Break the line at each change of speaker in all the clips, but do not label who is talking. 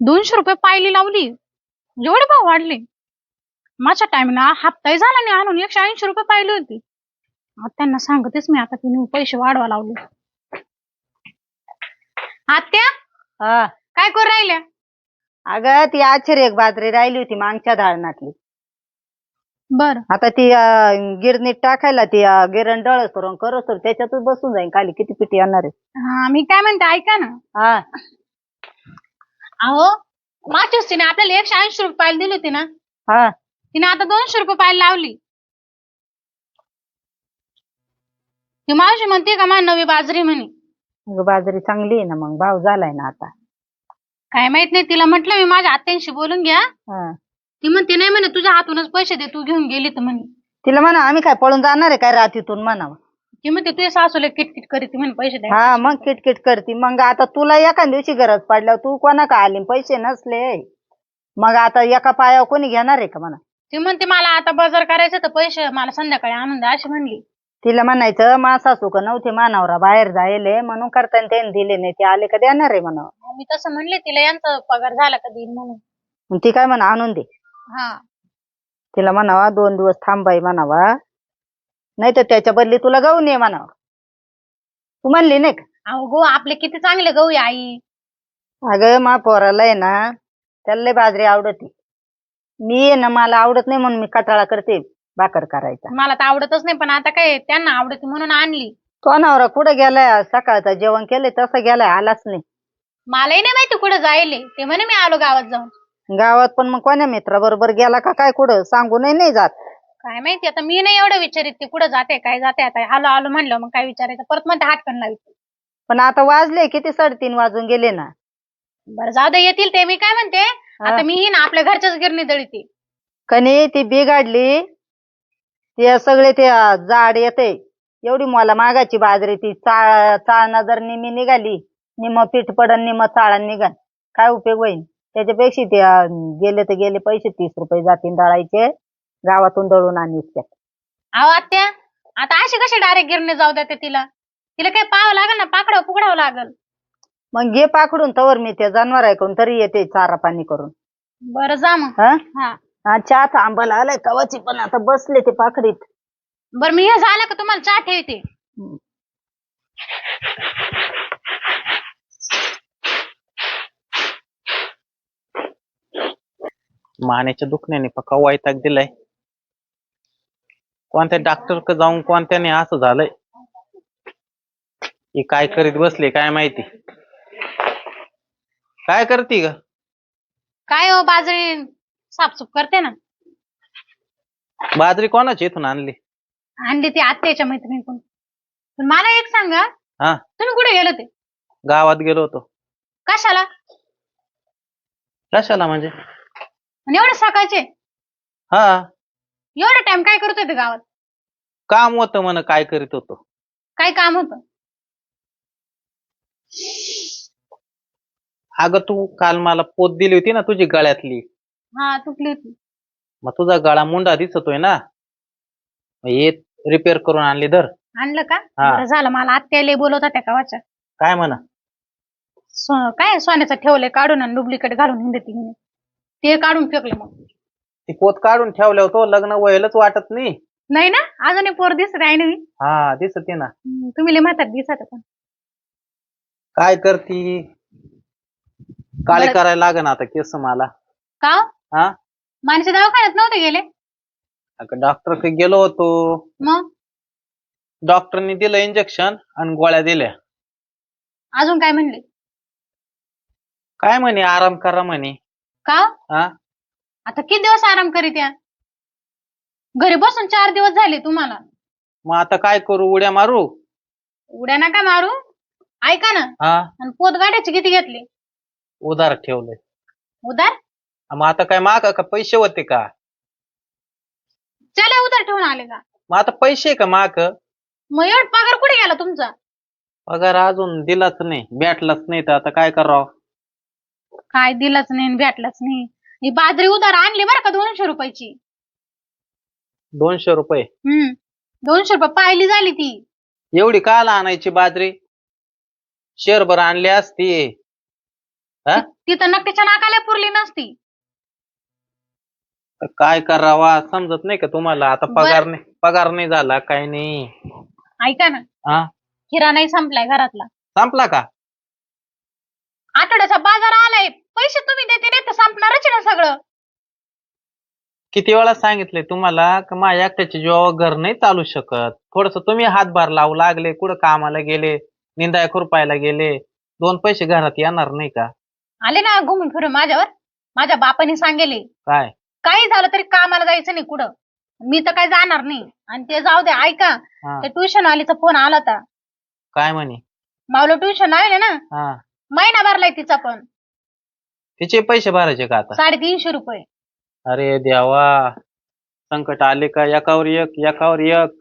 200 रुपये पायली लावली. एवढे भाव वाढले. माझ्या टाइमला हप्ताही झाला नाही आणून 180 रुपये पाहिली होती. आता त्यांना सांगतेच मी आता की पैसे वाढवा लावले. आत्या
हा
काय करू राहिल्या?
अगं ती आश्चर्य एक बाजरी राहिली होती मागच्या धारणातली.
बर
आता ती गिरणीत टाकायला ती गिरण डळ करून करत तर त्याच्यातच बसून जाईन. खाली किती पिटी येणार आहे.
हा मी काय म्हणते ऐका ना.
हा
अहो मागच्याच तिने आपल्याला 180 रुपये पायली दिली होती ना.
हा
तिने आता 200 रुपये पायली लावली. ती मावशी म्हणते का माझी नवी बाजरी म्हणे.
अगं बाजरी चांगली आहे ना, मग भाव झालाय ना आता.
काय माहित नाही. तिला म्हटलं मी माझ्या आत्यांशी बोलून घ्या.
हा
ती म्हणते नाही म्हणे तुझ्या हातूनच पैसे दे, तू घेऊन गेली तर म्हणे.
तिला म्हणा आम्ही काय पळून जाणार आहे काय रात्रीतून म्हणावं.
ती म्हणते तुझ्या सासूला किटकिट करीत म्हणे पैसे द्या.
हा मग किटकिट करती. मग आता तुला एका दिवशी गरज पडल्यावर तू कोणा का आली पैसे नसले मग आता एका पायावर कोणी घेणार आहे का म्हणा.
ती म्हणते मला आता बाजार करायचं तर पैसे मला संध्याकाळी आणून द्या अशी म्हणली.
तिला म्हणायचं मा सासू का नव्हते मानावरा बाहेर जायले म्हणून करताना त्यांनी दिले नाही, ते आले का देणार आहे म्हणा.
मी तसं म्हणले तिला यांचा पगार झाला का देईन म्हणून.
मग ती काय म्हणा आणून दे.
हा
तिला म्हणावा 2 दिवस थांबाई म्हणावा, नाही तर त्याच्या बदली तुला गहू ये म्हणावं. तू म्हणली नाही का.
अहो गो आपले किती चांगले गहू आहे आई.
अगं मा पोराला आहे ना त्याला लय बाजरी आवडती. मी आहे ना मला आवडत नाही म्हणून मी कटाळा करते भाकर करायचा.
मला तर आवडतच नाही पण आता काय त्यांना आवडते म्हणून आणली.
तो नवरा कुठं गेलाय? सकाळचं जेवण केलंय तसं गेलाय, आलाच नाही.
मलाही नाही माहिती कुठं जायले. ते म्हणे मी आलो गावात जाऊन.
गावात पण मग कोण्या मित्राबरोबर गेला का काय कुठं सांगूनही नाही जात.
काय माहिती आता मी नाही एवढं विचारित ते कुठं जाते काय जाते. आता आलो आलो म्हणलं मग काय विचारायचं परत म्हणते हाटकन लावित.
पण आता वाजले किती 3:30 वाजून गेले ना.
बरं जाऊ दे येतील ते. मी काय म्हणते आता मी ही ना आपल्या घरच्याच गिरणी दळीते.
कनी ती बिघाडली ते सगळे ते जाड येते एवढी मला मागाची बाजरी ती चाळणं जर निमी निघाली निम पीठ पडन निम चाळण निघाल काय उपयोग होईल. त्याच्यापेक्षा ते गेले तर गेले पैसे 30 रुपये जातील दळायचे गावातून दळून आणीत.
अहो आत्या आता अशी कशी डायरेक्ट गिरणी जाऊ द्या तिला. तिला काय पाहावं लागल ना, पाकडावं पुकडावं लागल.
मग घे पाकडून तवर मी ते जनावर ऐकून तरी येते चारा पाणी करून.
बरं जा मग.
हा
हा
चहा थांबायला आलाय कवाची पण आता बसले ते पाकडीत.
बरं मी हे झालं का तुम्हाला चहा ठेवते.
मानेच्या दुखण्याने पक्का वैताग दिलाय. कोणत्या डॉक्टर क जाऊन कोणत्याने असं झालंय. ही काय करीत बसले काय माहिती. काय करते ग?
काय हो बाजरी साफसूफ करते ना.
बाजरी कोणाची इथून आणली?
आणली ती आत्याच्या मैत्रिणीकडून. पण मला एक सांगा
हा
तुम्ही कुठे गेले ते?
गावात गेलो होतो.
कशाला?
कशाला म्हणजे?
आणि एवढे सकाळचे
हा
एवढा टाइम काय करत होते गावात?
काम होतं म्हण काय करीत होतो.
काय काम होतं?
अगं तू काल मला पोत दिली होती ना तुझी गळ्यातली.
हा तुटली होती.
मग तुझा गळा मुंडा दिसतोय ना, मग हे रिपेअर करून आणली. धर.
आणलं का?
हा.
बरं झालं. मला आत्याला बोलवत होत्या गावाच्या.
काय म्हणा?
काय सोन्याचं ठेवलंय काढून आणि डुप्लिकेट घालून हिंडती म्हणे. ते काढून फेकले. मग
ती पोत काढून ठेवल्या होतो लग्न व्हायलाच वाटत नाही.
नाही ना अजून एक पोर दिसत आहे ना मी.
हा दिसते ना.
तुम्ही लय म्हातार दिसत पण.
काय करती? काळे
बरं.
करायला लागन आता केस मला.
का
हा
माणसे दवाखान्यात नव्हते गेले?
अगं डॉक्टर कडे गेलो होतो.
मग
डॉक्टरनी दिलं इंजेक्शन आणि गोळ्या दिल्या.
अजून काय म्हणले?
काय म्हणे आराम करा म्हणे.
का
हा
आता किती दिवस आराम करीत या? घरी बसून 4 दिवस झाले तुम्हाला.
मग आता काय करू? उड्या मारू?
उड्या नका मारू. ऐका ना.
हा
आणि पोत गाड्याचे किती घेतले?
उधार ठेवलंय.
उधार?
मग आता काय माग का पैसे होते का?
चला उधार ठेवून आले का?
मग आता पैसे का माग?
मग एवढ पगार कुठे गेला तुमचा?
पगार अजून दिलाच नाही, भेटलाच नाही, तर आता काय करावं?
काय दिलंच नाही भेटलंच नाही. ही बाजरी उधार आणली बरं का 200 रुपयाची.
200 रुपये?
200 रुपये पाहिली झाली ती.
एवढी काला आणायची बाजरी? शेरभर आणली असती. हा?
ती तर नक्कीच्या नाकाला पुरली नसती.
तर काय करावा समजत नाही का तुम्हाला? आता पगार नाही झाला काही नाही.
ऐका ना,
हा,
किराणा नाही संपलाय घरातला.
संपला का?
आठवड्याचा बाजार आलाय, पैसे तुम्ही देते नाही तर संपणारच आहे ना सगळं.
किती वेळा सांगितलंय तुम्हाला की माझ्या एकट्याच्या जीवावर घर नाही चालू शकत. थोडस तुम्ही हातभार लावू लागले, कुठं कामाला गेले, निंदाय खुरपायला गेले, दोन पैसे घरात येणार नाही का?
आले ना घुमून फिरून माझ्यावर. माझ्या बापाने सांगेले
काय?
काही झालं तरी कामाला जायचं नाही कुठं. मी तर काही जाणार नाही. आणि ते जाऊ दे, ऐका,
हा,
ते ट्युशन वालीचा फोन आला होता.
काय म्हणे?
मावलं ट्युशन आहे ना,
हा,
महिना भरलाय तिचा पण.
तिचे पैसे भरायचे का आता?
350 रुपये.
अरे देवा, संकट आले का एकावर एक एकावर एक.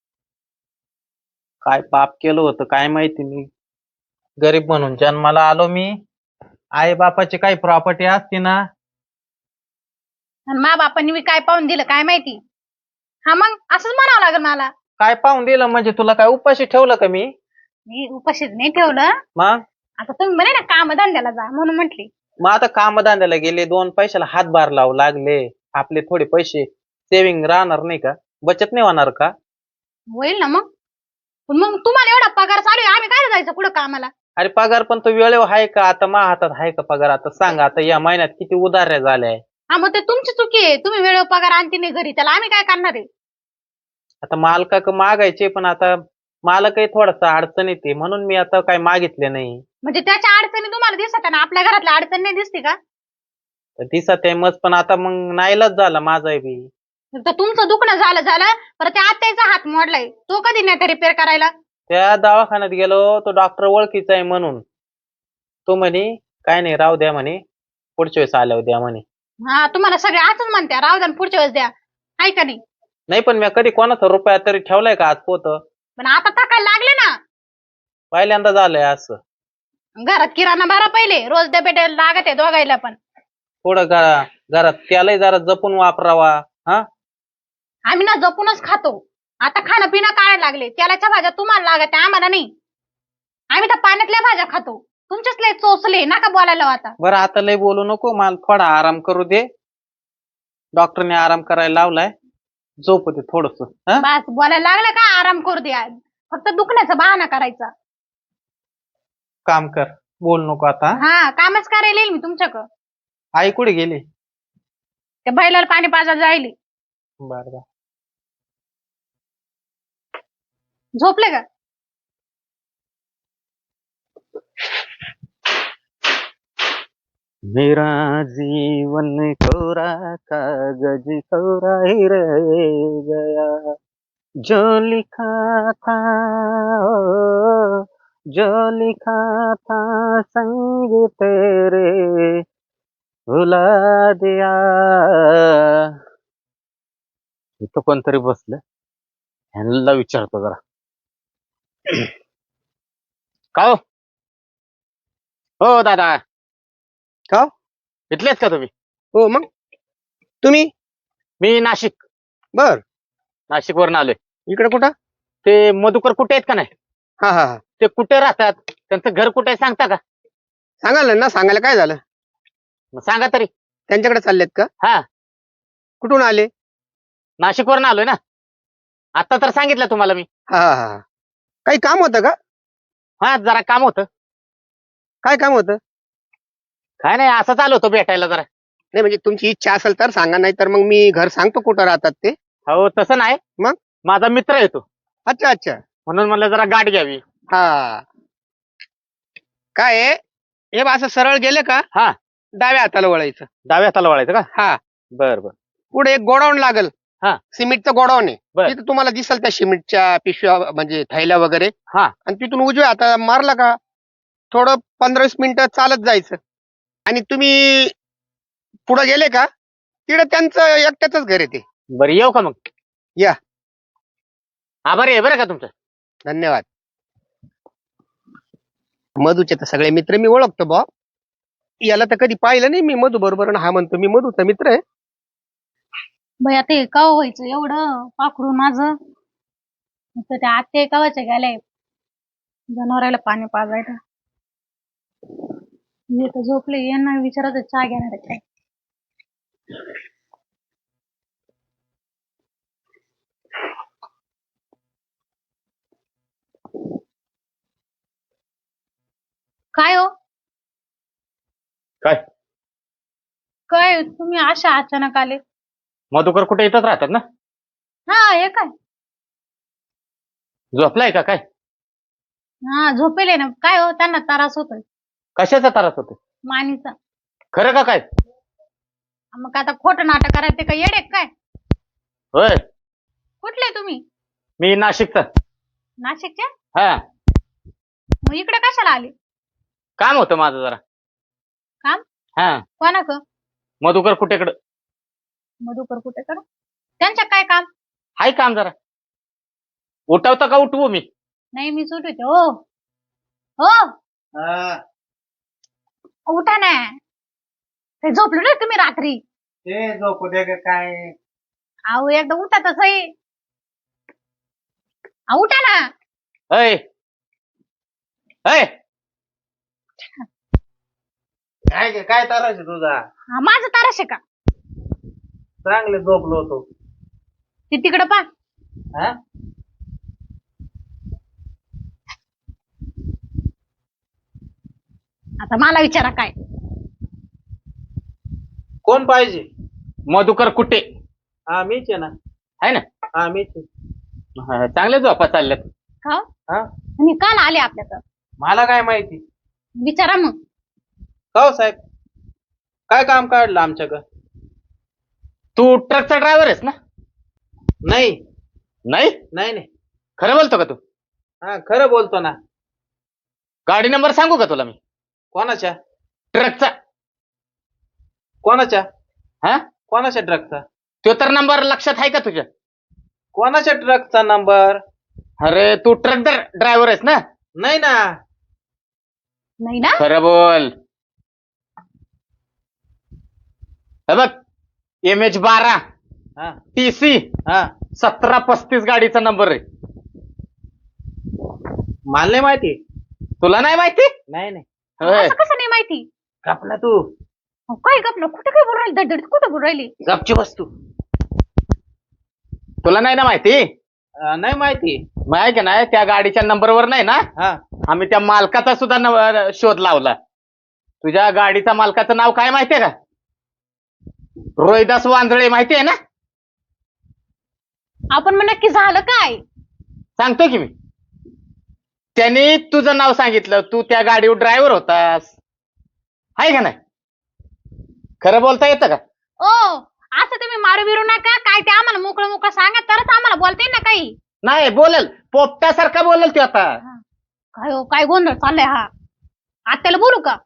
काय पाप केलं होतं काय माहिती. मी गरीब म्हणून जन्माला आलो. मी आई बापाची काही प्रॉपर्टी असती ना.
आणि मा बापांनी मी काय पाहून दिलं काय माहिती. हा मग असंच म्हणावं लागेल मला.
काय पाहून दिलं म्हणजे? तुला काय उपाशी ठेवलं का मी?
मी उपाशीच नाही ठेवलं.
मग
आता तुम्ही म्हणे ना कामधंद्याला जा म्हणून म्हटली.
मग आता कामधंद्याला गेले, दोन पैशाला हातभार लावू लागले, आपले थोडे पैसे सेव्हिंग राहणार नाही का? बचत नाही होणार का?
होईल ना मग. पण मग तुम्हाला एवढा पगार चालू आहे, आम्ही काय जायचं कुठं कामाला?
अरे पगार पण तो वेळेवर आहे का? आता मा हातात आहे का पगार? आता सांग, आता या महिन्यात किती उधाऱ्या झाल्या.
हा मग ते तुमची चुकी आहे. तुम्ही वेळेवर पगार आणते नाही घरी, त्याला आम्ही काय करणार आहे?
आता मालका मागायचे, पण आता मालकही थोडासा अडचण येते म्हणून मी आता काय मागितले नाही.
म्हणजे त्याच्या अडचणी तुम्हाला दिसत ना, आपल्या घरातल्या अडचण नाही दिसते का?
तर दिसत आहे मस्त, पण आता मग नाईलाज झाला माझा बी.
तर तुमचं दुखणं झालं परत त्या आत्याचा हात मोडलाय, तो कधी नाही रिपेअर करायला?
त्या दवाखान्यात गेलो, तो डॉक्टर ओळखीचा आहे म्हणून. तो म्हणे काय नाही राहू द्या म्हणे, पुढच्या वेळेस आल्यावर द्या म्हणे.
हा, तुम्हाला सगळे असंच म्हणत्या, राहू द्या पुढच्या वेळेस द्या, आहे का नाही?
नाही पण मी कधी कोणाचा रुपया तरी ठेवलाय का आज पोत?
पण आता टाकायला लागले ना.
पहिल्यांदा झालंय असं.
घरात किराणा भरा पहिले, रोज डबे लागत आहे दोघायला पण.
थोडं घरात त्यालाही जरा जपून वापरावा. हा,
आम्ही ना जपूनच खातो. आता खाणं पिणं काढायला लागले, तेलाच्या भाज्या तुम्हाला लागत आहे, आम्हाला नाही. आम्ही तर पाण्यातल्या भाज्या खातो. तुमचेच लय चोचले, नका बोलायला आता.
बरं आता लय बोलू नको, मला थोडा आराम करू दे. डॉक्टरने आराम करायला लावलाय, झोप दे थोडस.
बस बोलायला लागलं का आराम करू द्या. फक्त दुखण्याचा बहाणा करायचा.
काम कर, बोल नको आता.
हा, कामच करायला येईल मी तुमच्याकडं.
आई कुठे गेली?
त्या बैलाला पाणी पाजायला जायली.
बर बर.
झोपले का?
मेरा जीवन कोरा कागज कोरा ही रह गया, जो लिखा था ओ, जो लिखा था संग तेरे भुला दिया. इथं कोणतरी बसलं, ह्यांना विचारतो जरा. का हो दादा?
का?
इथलेच का तुम्ही?
हो मग तुम्ही?
मी नाशिक
बर
वरून आलोय.
इकडे कुठं?
ते मधुकर कुठे आहेत का नाही?
हा हा हा
ते कुठे राहतात, त्यांचं घर कुठे आहे सांगता का?
सांगाल ना, सांगायला काय झालं?
मग सांगा तरी.
त्यांच्याकडे चाललेत का?
हा,
कुठून आले?
नाशिक वरून आलोय ना. आता तर सांगितलं तुम्हाला मी.
हा हा हा काही काम होतं का?
हा, जरा काम होतं.
काय काम होतं?
काय नाही, असंच आलो होतो भेटायला जरा.
नाही म्हणजे तुमची इच्छा असेल तर सांगा, नाही तर मग मी घर सांगतो कुठं राहतात ते.
हो तसं नाही,
मग?
माझा मित्र येतो
अच्छा अच्छा.
म्हणून मला जरा गाठ घ्यावी.
हा काय आहे? हे बा असं सरळ गेले का
हा,
डाव्या हाताला वळायचं.
डाव्या हाताला वळायचं का?
हा
बर बर.
पुढे एक गोडाऊन लागल.
हा.
सिमेंटचं गोडाऊन आहे.
बर.
तिथं तुम्हाला दिसल त्या सिमेंटच्या पिशव्या म्हणजे थैल्या वगैरे.
हा.
आणि तिथून उजव्या हाताला मारला का थोडं 15-20 मिनिटं चालत जायचं आणि तुम्ही पुढे गेले का तिकडे त्यांचं एकट्याच घर आहे ते.
बरं, येऊ का मग?
या.
आभारी आहे बरं का तुमचं.
धन्यवाद. मधूचे तर सगळे मित्र मी ओळखतो बा. याला तर कधी पाहिलं नाही मी मधू बरोबर. हा म्हणतो मी मधूचा मित्र आहे.
भैया ते कव व्हायचं एवढं पाखरू माझं. तर त्या आत्या कवाचे गेले जनावराला पाणी पाजायला. हे तर झोपले, यांना विचारत चहा घेणार आहे काय. काय हो
काय
काय तुम्ही अशा अचानक आले.
मधुकर कुठे येतच राहतात ना?
हा हे काय.
झोपलाय का काय?
हा झोपेले ना. काय हो त्यांना त्रास होतोय
कशाचा त्रास होतो?
मानीचा.
खरं का काय?
मग आता खोटं नाटक करायचं का येडे काय.
होय,
कुठले तुम्ही?
मी नाशिकचा.
नाशिकचे.
हा,
मग इकडे कशाला आले?
काम होतं माझं जरा.
काम?
हा,
कोणाक?
मधुकर कुठेकडं.
मधुकर कुठे कर. त्यांच्या काय काम?
हाय काम जरा. उठवता का उठवू मी?
नाही मी सुटते. हो हो उठा ना. ते झोपलो ना तुम्ही रात्री.
ते झोपू दे ग काय.
अहो एकदा उठा तसही. उठा ना.
अय अय,
काय ग, काय त्रास आहे तुझा?
हा, माझं तारश आहे का?
चांगले झोपलो होतो.
ते तिकडं पा.
हा,
आता मला विचारा काय.
कोण पाहिजे?
मधुकर कुठे
हा मीच आहे ना.
आहे ना?
हा मीच आहे.
हा, चांगले झोपा चालल्यात.
का
हा,
आणि काल आले आपल्याकडं.
मला काय माहिती.
विचारा मग.
का हो साहेब, काय काम काढलं आमच्याकडं?
तू ट्रकचा ड्रायव्हर आहेस ना?
नाही
नाही,
नाही नाही.
खरं बोलतो का तू?
हा खरं बोलतो ना.
गाडी नंबर सांगू का तुला मी?
कोणाच्या?
ट्रकचा.
कोणाच्या?
हा,
कोणाच्या ट्रकचा?
तो तर नंबर लक्षात आहे का तुझ्या?
कोणाच्या ट्रकचा नंबर?
अरे तू ट्रक ड्रायव्हर आहेस ना?
नाही ना.
नाही ना.
खरं बोल. हे बघ, MH12
हा
TC
हा
1735 गाडीचा नंबर आहे.
मला नाही माहिती.
तुला नाही माहिती?
नाही नाही.
होय.
असं कसं नाही माहिती?
गप ना तू.
अहो, काय गपलं कुठे काय बोलू राहिली धडधड कुठे बोलू राहिली.
गपची वस्तू.
तुला नाही ना माहिती?
नाही माहिती.
माहिती नाही, त्या गाडीच्या नंबरवर नाही ना,
हा,
आम्ही त्या मालकाचा सुद्धा शोध लावला. तुझ्या गाडीचा मालकाचं नाव काय माहितीये का? रोहिदास वांजळे, माहितीये ना?
आपण मग नक्की झालं काय?
सांगतो की मी. त्यांनी तुझं नाव सांगितलं, तू त्या गाडीवर ड्रायव्हर होतास. आहे का नाही? खरं बोलता येतं का?
ओ असं तुम्ही मारू बिरू नका. काय ते आम्हाला मोकळं मोकळं सांगा तरच आम्हाला बोलता येईल ना काही.
नाही बोलेल, पोपटासारखा बोलेल ते आता.
काय हो काय गोंधळ चाललाय हा. आत्याला बोलू का?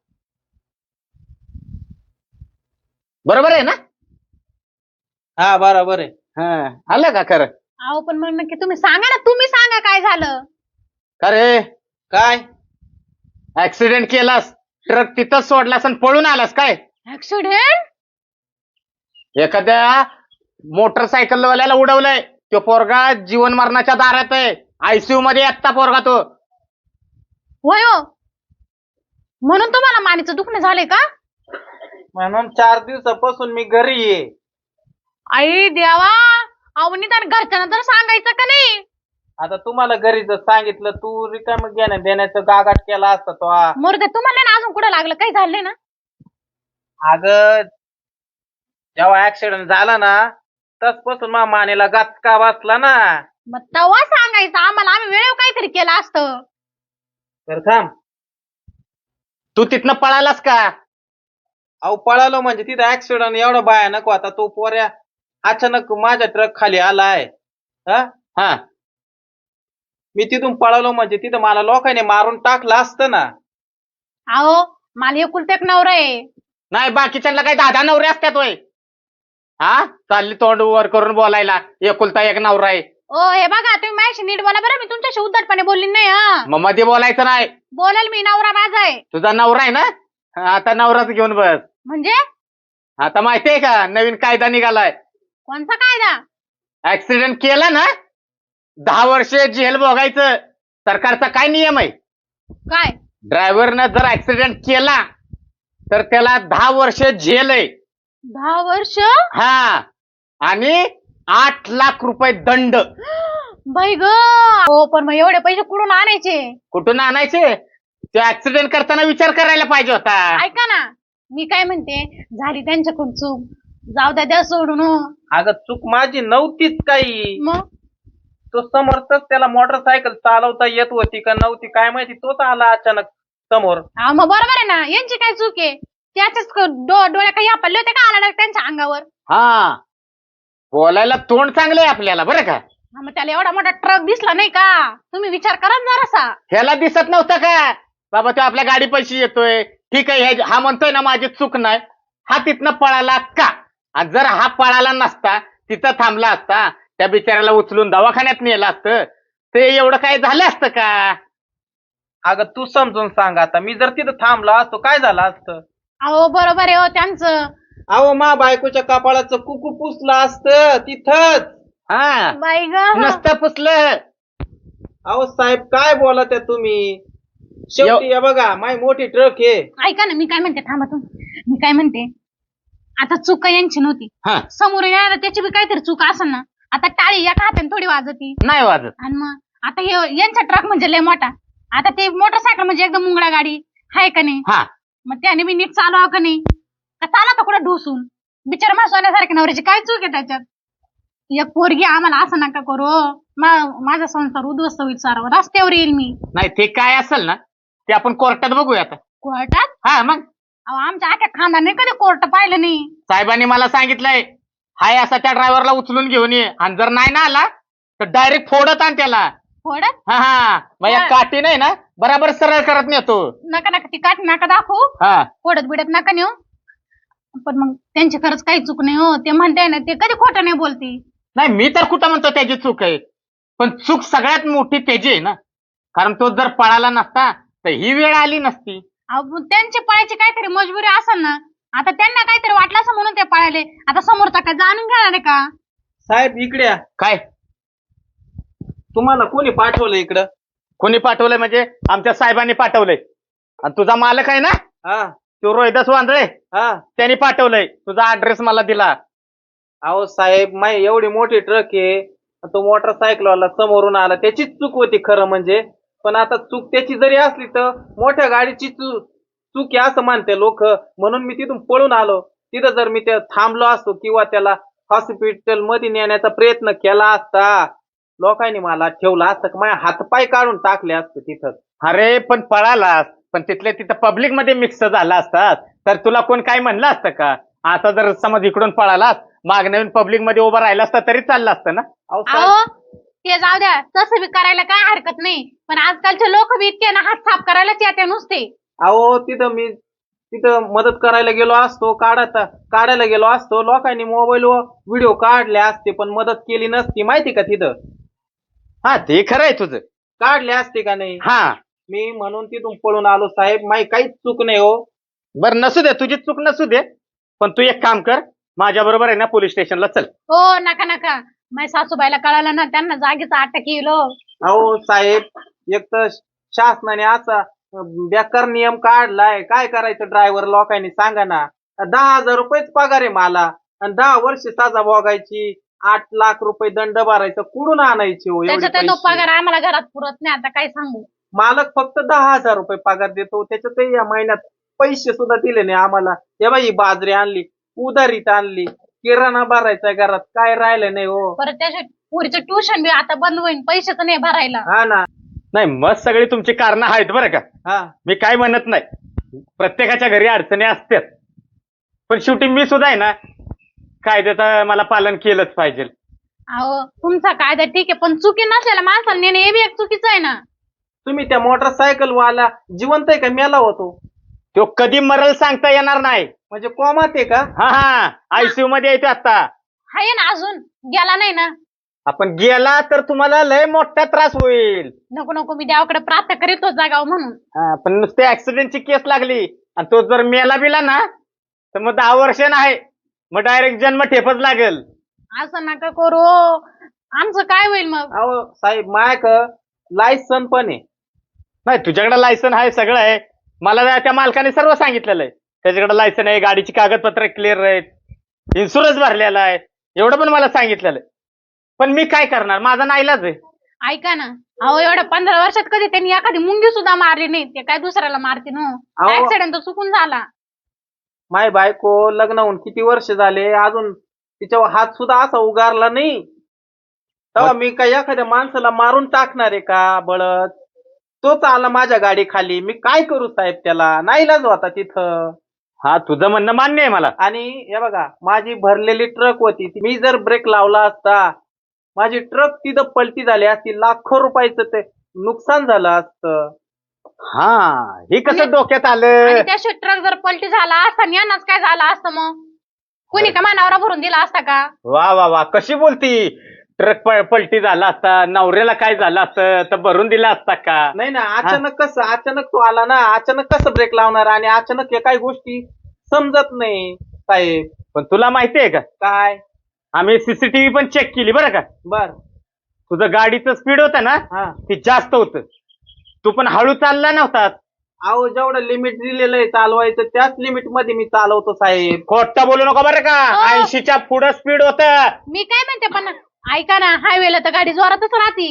बरोबर आहे ना?
हा बरोबर आहे.
हा, आलं का खरं?
अहो पण मग नक्की तुम्ही सांगा ना. तुम्ही सांगा काय झालं.
का रे,
काय?
ऍक्सिडेंट केलास, ट्रक तिथंच सोडलास आणि पळून आलास काय?
ऍक्सिडेंट?
एखाद्या मोटरसायकलवाल्याला उडवलंय. तो पोरगा जीवन मरणाच्या दारात आहे. ICU मध्ये आत्ता पोरगा तो.
होय हो. म्हणून तुम्हाला मानेचं दुखणे झाले का?
म्हणून 4 दिवसापासून मी घरी आहे.
आई देवा. अहो निदान घरच्यांना तर सांगायचं का नाही.
आता तुम्हाला घरी जर सांगितलं, तू रिकाम घेण्या देण्याचं गागाट केला असता तो.
मोरदे तुम्हाला ना अजून कुठं लागलं काही झालंय ना.
अगं जेव्हा ऍक्सिडेंट झाला ना, तसपासून मा मानेला गचका बसला ना.
मग तेव्हा सांगायचं आम्हाला. आम्ही वेळेवर काहीतरी केलं असतं.
तर थांब.
तू तिथनं पळालास का?
अहो पळालो म्हणजे तिथं ऍक्सिडेंट एवढा भयानक होता. तो पोऱ्या अचानक माझ्या ट्रक खाली आलाय. हा,
हा,
मी तिथून पळालो म्हणजे तिथं मला लोकांनी मारून टाकलं असतं ना.
अहो मला एकुलते एक नवरा आहे.
नाही बाकीच्यांना काही 10 नवरे असतात होय. हा, चालली तोंड वर करून बोलायला, एकुलता एक नवरा आहे.
ओ हे बघा तुम्ही माझ्याशी नीट बोला बरं. मी तुमच्याशी उद्धटपणे बोलली नाही. हा
मग मध्ये बोलायचं नाही.
बोलेल मी. नवरा माझा आहे.
तुझा नवरा आहे ना? आता नवराच घेऊन बस.
म्हणजे
आता माहितीये का नवीन कायदा निघालाय?
कोणता कायदा?
ऍक्सिडेंट केला ना 10 वर्ष जेल भोगायचं. सरकारचा काय नियम आहे?
काय?
ड्रायव्हरनं जर ऍक्सिडेंट केला तर त्याला 10 वर्ष जेल आहे.
10 वर्ष?
हा, आणि 8 लाख रुपये दंड.
बाई ग. हो पण मग एवढे पैसे कुठून आणायचे?
कुठून आणायचे? तो ऍक्सिडेंट करताना विचार करायला पाहिजे होता.
ऐका ना, मी काय म्हणते, झाली त्यांच्याकडून चूक, जाऊ द्या सोडून हो.
अगं चूक माझी नव्हतीच काही.
मग
तो समोरच त्याला मोटरसायकल चालवता येत होती का नव्हती काय माहिती, तोच आला अचानक समोर.
मग बरोबर आहे ना, यांची काय चूक आहे? त्याच्याच डोळ्या काही आपले होते का आला direct त्यांच्या अंगावर?
हा, बोलायला तोंड चांगलंय आपल्याला बरं का.
मग त्याला एवढा मोठा ट्रक दिसला नाही का? तुम्ही विचार करा ना जरासा.
ह्याला दिसत नव्हतं का बाबा तो आपल्या गाडी पैसे येतोय, ठीक आहे, हा म्हणतोय ना माझी चूक नाही, हा तिथनं पळाला का? आणि जर हा पळाला नसता, तिथं थांबला असता, त्या बिचाऱ्याला उचलून दवाखान्यात नेलं असतं, ते एवढं काय झालं असतं का?
अगं तू समजून सांग आता, मी जर तिथं थांबला असतो काय झालं असतं?
अहो बरोबर आहे हो त्यांचं.
अहो मा बायकोच्या कपाळाचं कुकू पुसलं असतं तिथंच.
हा,
बाई ग.
नसतं पुसलं.
अहो साहेब काय बोलत आहे तुम्ही? शेवटी हे बघा माय मोठी ट्रक आहे.
ऐका ना, मी काय म्हणते, थांबा तुम्ही. मी काय म्हणते, आता चूक काही यांची नव्हती,
हा,
समोर येणार त्याची बी काहीतरी चूक असेल ना. आता टाळी एका हाताने थोडी वाजती,
नाही वाजत.
आणि मग आता हे यांचा ट्रक म्हणजे लय मोठा, आता ते मोटरसायकल म्हणजे एकदम मुंगळा गाडी हाय का नाही?
हा,
मग त्याने मी नीट चालवा का नाही? का चाला तर कुठं ढोसून? बिचारा माझ्या सोन्यासारख्या नवऱ्याची काय चूक आहे त्याच्यात? एक पोरगी आम्हाला असं नका करू हो. माझा संसार उद्ध्वस्त होईल, सारा रस्त्यावर येईल मी.
नाही ते काय असेल ना ते आपण कोर्टात बघूया आता.
कोर्टात?
हा मग
अहो आमच्या आख्या खानदाने कधी कोर्ट पाहिलं नाही.
साहेबांनी मला सांगितलंय, हाय असा त्या ड्रायव्हरला उचलून घेऊन ये, आणि जर नाही ना आला तर डायरेक्ट फोडत आण त्याला.
कोर्टात?
हा हा, मग या काठी नाही ना बराबर सरळ करत नेतो.
नका ती काठी नका दाखवू,
हा,
कोर्टात बिडत नका नेऊ. पण मग त्यांची खरंच काही चूक नाही हो, ते म्हणताय ना, ते कधी खोटं नाही बोलती.
नाही मी तर कुठं म्हणतो त्याची चूक आहे, पण चूक सगळ्यात मोठी त्याची आहे ना, कारण तो जर पळाला नसता तर ही वेळ आली नसती.
अहो त्यांची पळायची काहीतरी मजबुरी असेल ना. आता त्यांना काहीतरी वाटलं असं म्हणून ते पळाले. आता समोरचा काय जाणून घेणार आहे का?
साहेब इकडे या.
काय
तुम्हाला कोणी पाठवलं इकडं?
कोणी पाठवलंय म्हणजे आमच्या साहेबांनी पाठवलंय. आणि तुझा मालक आहे ना
हा
तो रोहिदास वांद्रे,
हा.
त्यांनी पाठवलंय, तुझा ऍड्रेस मला दिला.
अहो साहेब माय एवढी मोठी ट्रक आहे, तो मोटरसायकलवाला समोरून आला, त्याचीच चूक होती खरं म्हणजे. पण आता चूक त्याची जरी असली तर मोठ्या गाडीची चूक आहे असं मानते लोक, म्हणून मी तिथून पळून आलो. तिथं जर मी थांबलो असतो किंवा त्याला हॉस्पिटल मध्ये नेण्याचा प्रयत्न केला असता, लोकांनी मला ठेवला असतं, माझ्या हातपाय काढून टाकले असते तिथं.
अरे पण पळालास, पण तिथल्या तिथं पब्लिक मध्ये मिक्स झाला असतात तर तुला कोण काय म्हणलं असतं का? आता जर समज इकडून पळालास, माग नवीन पब्लिक मध्ये उभं राहिला असता तरी चाललं असतं ना.
अहो साहेब,
अहो ते जाऊ द्या, तसं बी करायला काय हरकत नाही, पण आजकालचे लोक बी इतके ना हात साफ करायलाच येते नुसते.
अहो तिथं मदत करायला गेलो असतो, काढायला गेलो असतो, लोकांनी मोबाईलवर व्हिडिओ काढले असते पण मदत केली नसती माहिती का तिथं.
हा ते खरं आहे तुझं.
काढले असते का नाही?
हा,
मी म्हणून तिथून पळून आलो साहेब, माही काहीच चूक नाही हो.
बरं नसू दे, तुझी चूक नसू दे, पण तू एक काम कर, माझ्या बरोबर आहे ना पोलीस स्टेशनला चल.
हो नका, माझ्या सासूबाईला कळालं ना, त्यांना जागीच अटक येईल हो.
अहो साहेब, एक तर शासनाने असा बेकार नियम काढलाय, काय करायचं ड्रायव्हर लोकांनी सांगा ना. 10,000 रुपयेच पगार आहे मला, आणि 10 वर्ष सजा भोगायची, 8 लाख रुपये दंड भरायचं, कुठून आणायचे हो एवढे
त्याच्यात तो
पैसे?
पगार आम्हाला घरात पुरत नाही, आता काय सांगू.
मालक फक्त 10,000 रुपये पगार देतो, त्याच्यातही या महिन्यात पैसे सुद्धा दिले नाही आम्हाला. हे बाई बाजरी आणली, उधारीत आणली, किराणा भरायचा घरात, काय राहिलं नाही हो.
परत त्याच्या पुरीचं ट्युशन बी आता बंद होईल, पैसेच नाही भरायला.
हा ना.
नाही मस्त सगळी तुमची कारणं आहेत बरं का,
हा
मी काय म्हणत नाही, प्रत्येकाच्या घरी अडचणी असतात, पण शेवटी मी सुद्धा आहे ना कायद्याचं मला पालन केलंच पाहिजे.
अहो तुमचा कायदा ठीक आहे, पण चुकी नसलेल्या माणसाला नेणे हे बी एक चुकीचं आहे ना.
तुम्ही त्या मोटरसायकल वाला जिवंत आहे का मेला होतो?
तो कधी मरल सांगता येणार नाही.
म्हणजे कोमात आहे का?
हा, आयसीयू मध्ये येतो आता.
आहे ना, अजून गेला नाही ना.
आपण गेला तर तुम्हाला लय मोठा त्रास होईल.
नको मी देवाकडे प्रार्थना करीत होत जागाव म्हणून.
हा, पण नुसते ऍक्सिडेंटची केस लागली आणि तो जर मेला बिला ना तर मग 10 वर्ष नाही, मग डायरेक्ट जन्म ठेपच लागेल.
असं नका करू, आमचं काय होईल मग?
अहो साहेब मायक लायसन पण आहे.
नाही तुझ्याकडे लायसन आहे, सगळं आहे, मला त्या मालकाने सर्व सांगितलेलं आहे. त्याच्याकडे लायसन आहे, गाडीची कागदपत्र क्लिअर आहेत, इन्शुरन्स भरलेला आहे, एवढं पण मला सांगितलेलं आहे. पण मी काय करणार, माझा नाईलाज आहे.
ऐका ना, अहो एवढ्या 15 वर्षात कधी त्यांनी एखादी मुंगी सुद्धा मारली नाही. ते काय दुसऱ्याला मारते ना.
अहो.
ऍक्सिडेंट तर चुकून झाला.
माय बायको लग्न होऊन किती वर्ष झाले, अजून तिच्यावर हात सुद्धा असा उगारला नाही. तेव्हा मी काय एखाद्या माणसाला मारून टाकणार आहे का बळत? तोच आला माझ्या गाडी खाली, मी काय करू साहेब त्याला? नाईलाज होता तिथं.
हा, तुझं म्हणणं मान्य आहे मला.
आणि हे बघा, माझी भरलेली ट्रक होती, मी जर ब्रेक लावला असता, माझी ट्रक तिथं पलटी झाली असती, लाखो रुपयाचं ते नुकसान झालं असतं.
हा, हे कसं
आणि-
डोक्यात
आणि
आलं?
त्या ट्रक जर पलटी झाला असता आणि यांनाच काय झालं असतं मग? कोणी का मानावरा भरून दिला असता का?
वा वा वा, कशी बोलती. ट्रक पलटी झाला असता, नवऱ्याला काय झालं असतं तर भरून दिला असता का?
नाही ना, अचानक तो आला ना, अचानक कसं ब्रेक लावणार? आणि अचानक हे काही गोष्टी समजत नाही साहेब.
पण तुला माहितीये का,
काय?
आम्ही सीसीटीव्ही पण चेक केली बरं का.
बर.
तुझं गाडीचं स्पीड होतं ना,
हा.
ते जास्त होतं. तू पण हळू चालला नव्हता.
अहो, जेवढं लिमिट दिलेलं आहे चालवायचं, त्याच लिमिट मध्ये मी चालवतो साहेब.
खोटं बोलू नका बरं का.
हो.
80च्या पुढं स्पीड होतं.
मी काय म्हणते, पण ऐका ना, हायवेला तर गाडी जोरातच राहती.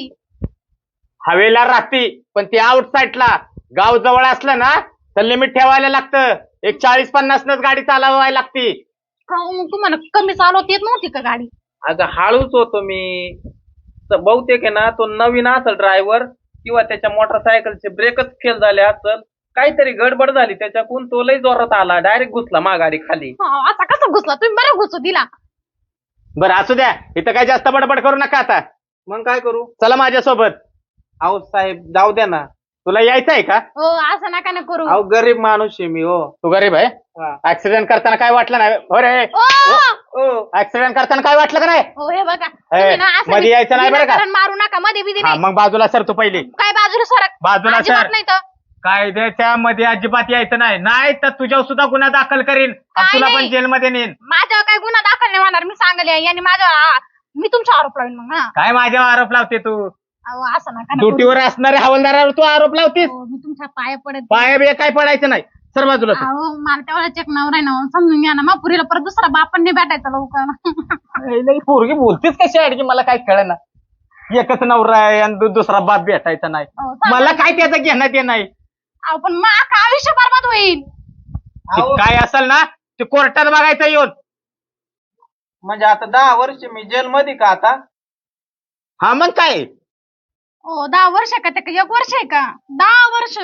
हवेला राहती, पण ती आउट साईडला गाव जवळ असलं ना तर लिमिट ठेवायला लागतं. एक 40-50 नच गाडी चालवायला लागती.
का मग तुम्हाला कमी चालवता येत नव्हती का गाडी?
अगं हळूच होतो मी. तर बहुतेक आहे ना, तो नवीन असेल ड्रायव्हर, किंवा त्याच्या मोटरसायकलचे ब्रेकच फेल झाले असेल, काहीतरी गडबड झाली त्याच्याकडून, तो लय जोरात आला, डायरेक्ट घुसला मा गाडी खाली.
असा कसा घुसला? तुम्ही बरं घुसू दिला.
बरं असू द्या, इथं काय जास्त बडबड करू नका आता.
मग काय करू?
चला माझ्यासोबत.
अहो साहेब, जाऊ द्या ना.
तुला यायचं आहे का?
हो, असं नका ना करू.
अहो, गरीब माणूस आहे मी. हो.
तू गरीब आहे.
हा.
ऍक्सिडेंट करताना काय वाटलं नाही? हो रे,
ओ,
ओ,
ऍक्सिडेंट करताना काय वाटलं का नाही?
हो, हे बघा, तुम्ही ना असं
मध्ये यायचं नाही बरं का?
विनाकारण मारू नका. मध्ये बिधी
हा,
नाही.
मग बाजूला सर तू पहिली.
काय बाजूला सरक?
बाजूला
अजिबात
सर.
नाही तर.
कायद्याच्या मध्ये अजिबात यायचं नाही, नाही तर तुझ्यावर सुद्धा गुन्हा दाखल करीन आणि
काय
तुला पण
नाही.
जेलमध्ये नेईन.
माझ्यावर काय गुन्हा दाखल नाही होणार. मी सांगले यांनी मी तुमचा आरोप लावेन मग. हा,
काय माझ्यावर आरोप लावते तू?
अहो, असं नका ना करू.
ड्युटीवर असणाऱ्या हवालदारावर तू आरोप लावतेस?
हो, मी तुमच्या पाया पडत.
पाया बिया काय पडायचं नाही. सर बाजूला तू.
अहो, मला तेवढा चेक नवरा आहे ना, समजून घ्या ना. मग पुरीला परत दुसरा बाप पण नाही भेटायचा लवकर.
लई पोरगी बोलतेस कशी आहे की मला काय कळना. एकच नवरा आहे आणि दुसरा बाप भेटायचा नाही.
हो, सांगा.
मला काय त्याचं घेण्यात ये नाही.
अहो, पण मग अख्खं आयुष्य बरबाद होईल.
ते
अहो,
काय असेल ना ते कोर्टात बघायचं येऊन.
म्हणजे आता 10 वर्ष मी जेलमध्ये का आता?
हा, मग काय.
हो, 10 वर्ष का? ते 1 वर्ष आहे का? 10 वर्ष.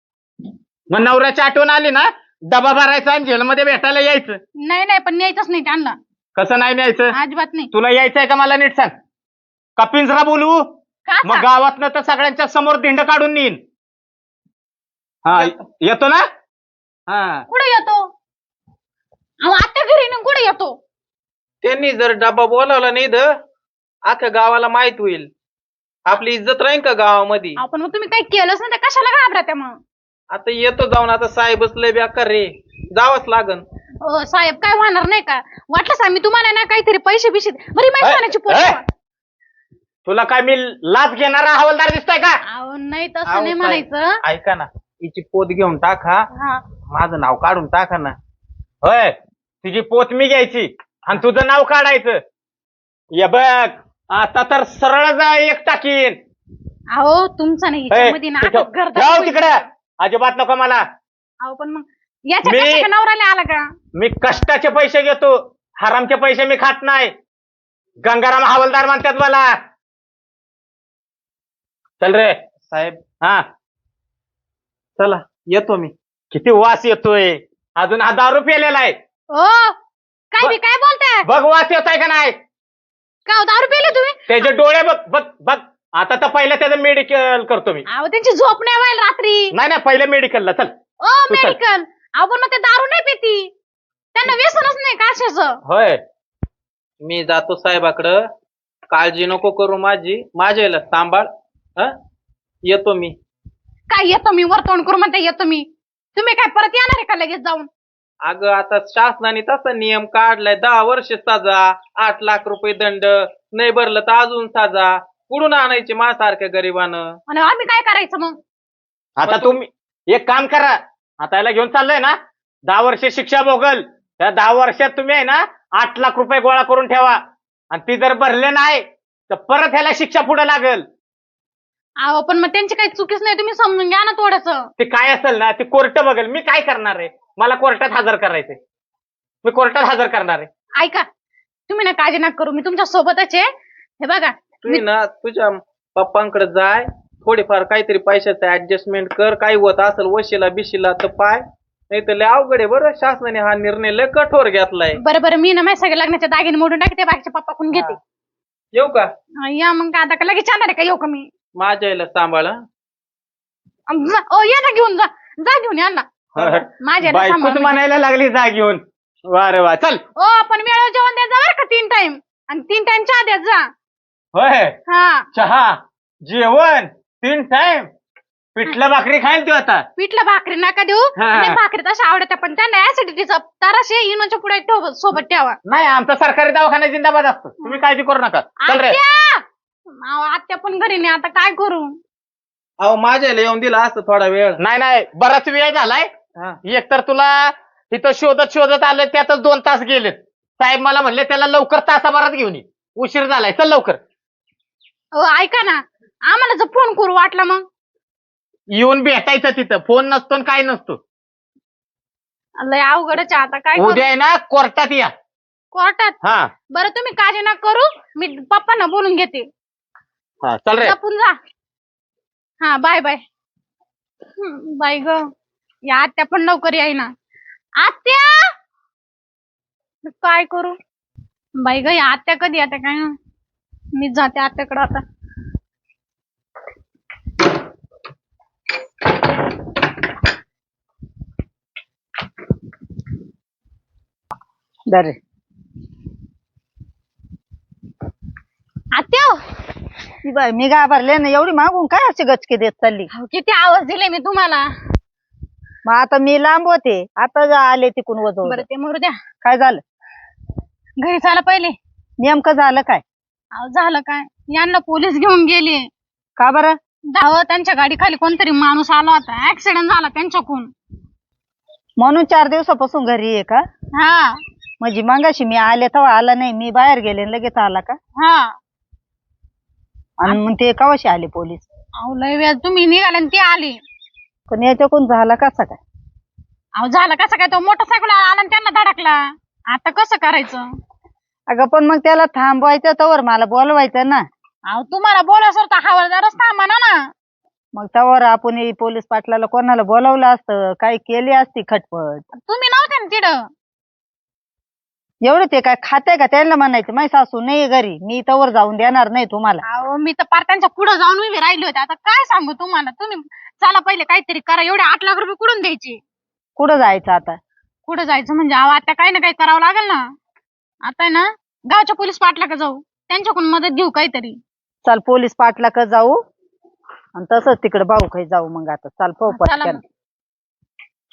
मग नवऱ्याची आठवण आली ना, डबा भरायचा आणि जेलमध्ये भेटायला यायचं.
नाही, पण न्यायचंच नाही त्यांना.
कसं नाही न्यायचं?
अजिबात नाही.
तुला यायचंय का मला नीट सांग. का पिंजरा बोलवू?
का
मग गावातनं तर सगळ्यांच्या समोर धिंड काढून नेईन. हा, येतो ना. हा,
कुठे येतो? अहो, आता घरी ना कुठे येतो?
त्यांनी जर डब्बा बोलावला नाही तर अख्ख्या गावाला माहित होईल. आपली इज्जत राहील का गावामध्ये?
अहो, पण मग तुम्ही काही केलंच नाही तर कशाला घाबरत्या मग?
आता येतो जाऊन. आता साहेबच लय बेकार रे, जावंच लागन.
साहेब, काय होणार नाही का? वाटलं सांग मी तुम्हाला ना काहीतरी पैसे बिशे बरी माहिती सोन्याची
ए,
पोस्ट.
तुला काय मी लाच घेणारा हवालदार दिसतोय का?
अहो, नाही
अहो,
तसं नाही
साहेब,
म्हणायचं.
ऐका ना, हिची पोत घेऊन टाका,
हा.
माझं नाव काढून टाका ना.
होय, तुझी पोत मी घ्यायची आणि तुझं नाव काढायचं. ये बघ, आता तर सरळ जा एक टाकीन.
अहो, तुमचं नाही याच्यामध्ये ना आता घरदार
जाऊ
होईल.
तिकडे, अजिबात नको मला.
अहो, पण मग याच्या
मी-
कशा नवऱ्याला आला का?
मी कष्टाचे पैसे घेतो, हरामचे पैसे मी खात नाही. गंगाराम हवालदार म्हणतात मला. चल रे.
साहेब
हा,
चला, येतो मी.
किती वास येतोय. अजून हा दारू पिलेला आहे.
ओ, काय बोलताय?
बघ वास येतोय का नाही.
का हो, दारू पिले तुम्ही?
त्याचे डोळे बघ बघ बघ. आता तर पहिलं त्याचं मेडिकल करतो मी.
अहो, त्यांची झोप नाही व्हायला रात्री.
नाही पहिलं मेडिकलला चल.
ओ,
तू चल.
मेडिकल. अहो, पण मग ते दारू नाही पिती. त्यांना व्यसनच नाही कशाचं.
होय,
मी जातो साहेबाकडं. काळजी नको करू माझी, माझ्या याला सांभाळ. येतो मी.
काय येतो मी? वर तोंड करू म्हणते येतो मी. तुम्ही काय परत येणार आहे का लगेच जाऊन?
अगं, आता शासनाने तसा नियम काढलाय, 10 वर्ष सजा, 8 लाख रुपये दंड, नाही भरलं तर अजून सजा. कुठून आणायची माझ्यासारख्या गरीबानं?
आणि आम्ही काय करायचं मग?
आता तुम्ही एक काम करा. आता याला घेऊन चाललोय ना, 10 वर्ष शिक्षा भोगल. त्या 10 वर्षात तुम्ही आहे ना 8 लाख रुपये गोळा करून ठेवा. आणि ती जर भरले नाही तर परत ह्याला शिक्षा पुढे लागल.
अहो पण मग त्यांची काही चुकीच नाही, तुम्ही समजून घ्या ना थोडंसं.
ते काय असेल ना ते कोर्ट बघेल. मी काय करणार आहे, मला कोर्टात हजर करायचंय. मी कोर्टात हजर करणार आहे.
ऐका, तुम्ही ना काळजी नका करू, मी तुमच्या सोबतच आहे. हे बघा,
तू ना तुझ्या पप्पांकडे जाय, थोडीफार काहीतरी पैशाचं ऍडजस्टमेंट कर. काही होत असेल वशिला बिशीला तर पाय, नाही तर लय अवघड आहे बरं. शासनाने हा निर्णय लय कठोर घेतलाय.
बरं मी ना माझ्या सगळे लग्नाचे दागिने मोडून टाकते, बाकीच्या पप्पाकडून घेते.
येऊ का?
या मग काय आता का लगेच जाणार आहे का? येऊ का मी?
माझ्या आईला सांभाळ.
या ना घेऊन जा, जा घेऊन या ना माझ्या
बायकोच म्हणायला लागली जा घेऊन. वा रे वा, चल.
ओ पण वेळेवर जेवण द्यायचं बरं का 3 टाइम, आणि 3 टाइम चहा द्यायचा जा.
होय,
हा,
चहा जेवण 3 टाइम. पिठलं भाकरी खाईल तू आता.
पिठलं भाकरी नका देऊ.
हा.
नाही, भाकरी तशा आवडत्या पण त्यांना ऍसिडिटीचा ताराशे इनोच्या पुढे सोबत ठेवा.
नाही, आमचा सरकारी दवाखाना जिंदाबाद असतो. तुम्ही काळजी करू नका. चल रे.
आत्या अहो, आत्या पण घरी नाही, आता काय करू?
अहो माझ्या आईला येऊन दिला असतं थोडा वेळ.
नाही बराच वेळ झालाय.
हा.
एक तर तुला इथं शोधत आलं, त्यातच 2 तास गेलेत. साहेब मला म्हणले त्याला लवकर तासाभरात घेऊन ये, उशीर झालाय, चल लवकर.
ऐका ना, आम्हाला जर फोन करू वाटला मग?
येऊन भेटायचं तिथं. फोन नसतो आणि काय नसतो.
लय अवघडच आहे, आता काय करू?
उद्या आहे ना कोर्टात या.
कोर्टात?
हा
बरं तुम्ही काळजी नका करू, मी पप्पांना बोलून घेते.
हा, चल रे.
जपून जा. हा, बाय बाय. बाय ग, या आत्या पण लवकर येईना. आत्या काय करू बाई ग, या आत्या कधी आता काय? मी जाते आत्याकडे आता.
दर
आत्या
बाय, मी घाबरले ना. एवढी मागून काय अशी गचके देत चालली?
किती आवाज दिले मी तुम्हाला.
मग आता मी लांब होते, आता आले तिकून वजवून.
बरं ते मरू द्या,
काय झालं?
घरी चाला पहिले.
नेमकं झालं काय?
अहो, झालं काय, यांना पोलीस घेऊन गेले.
का बरं?
त्यांच्या गाडी खाली कोणतरी माणूस आला होता, ऍक्सिडेंट झाला त्यांच्याकडून.
म्हणून 4 दिवसापासून घरी आहे का?
हा
म्हणजे मगाशी मी आले तेव्हा आला नाही, मी बाहेर गेले आणि लगेच आला का?
हा.
आणि मग ते कवाशी आले पोलीस?
अहो लय वेळ तुम्ही निघाले आणि ते आले.
पण याच्याकडून झाला कसा काय?
अहो झालं कसं काय, तो मोटरसायकल आला आणि त्यांना धडकला. आता कसं करायचं?
अगं पण मग त्याला थांबवायचं तवर मला बोलवायचं ना.
अहो तुम्हाला बोलायचं तर हवालदारच थांबा ना.
मग तवर आपण पोलीस पाटलाला कोणाला बोलावलं असतं, काही केली असती खटपट.
तुम्ही नव्हते ना तिथं.
एवढं ते काय खाते का? त्यांना म्हणायचं माझी सासू नाही घरी, मी तवर जाऊन देणार नाही तुम्हाला.
अहो मी तर पार त्यांच्या पुढे जाऊन उभी राहिली होते. आता काय सांगू तुम्हाला, तुम्ही चला पहिले काहीतरी करा. एवढे 8 लाख रुपये कुठून द्यायचे?
कुठं जायचं आता?
कुठं जायचं म्हणजे अहो आता काही ना काही करावं लागेल ना. आता आहे ना गावच्या पोलीस पाटला का जाऊ, त्यांच्याकडून मदत घेऊ काहीतरी.
चल पोलीस पाटला का जाऊ, आणि तसंच तिकडे भाऊ काही जाऊ. मग आता चाल पाहू
चला
पटकन.
मग.